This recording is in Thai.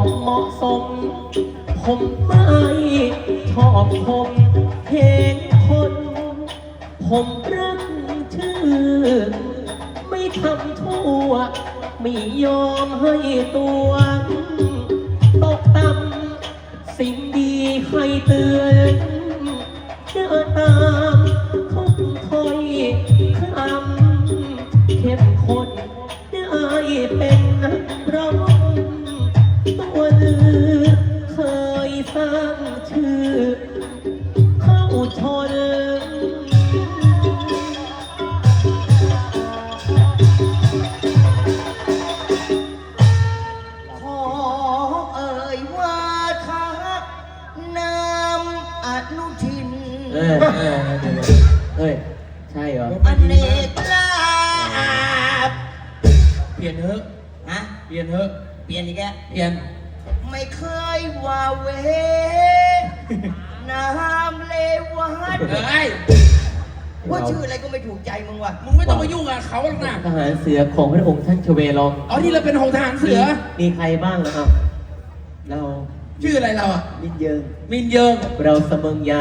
เหมาะสมผมไม่ชอบผมเพลงคนผมรักชื่อไม่ทำทั่วไม่ยอมให้ตัวตกต่ำสิ่งดีให้เตือนเชื่อตามทุกถ้อยคำเข้มข้นได้เป็นนักร้องตัวลือเคยสร้างชื่อเข้าชนขอเอ่ยว่าทักนามอนุทินเฮ้ยใช่เหรออเนกลาบเปลี่ยนเถอะฮะเปลี่ยนเถอะเปลี่ยนอีกแล้วเปลี่ยนไม่เคยว่าเวน้ำเลวัดว่าชื่ออะไรก็ไม่ถูกใจมึงว่ะมึงไม่ต้องมายุ่งกับเขาหรอกนะทหารเสือของพระองค์ท่านชเวลองอ๋อที่เราเป็นของทหารเสือมีใครบ้างนะครับเราชื่ออะไรเราอ่ะมินเยิงมินเยิงเราเสมิงยา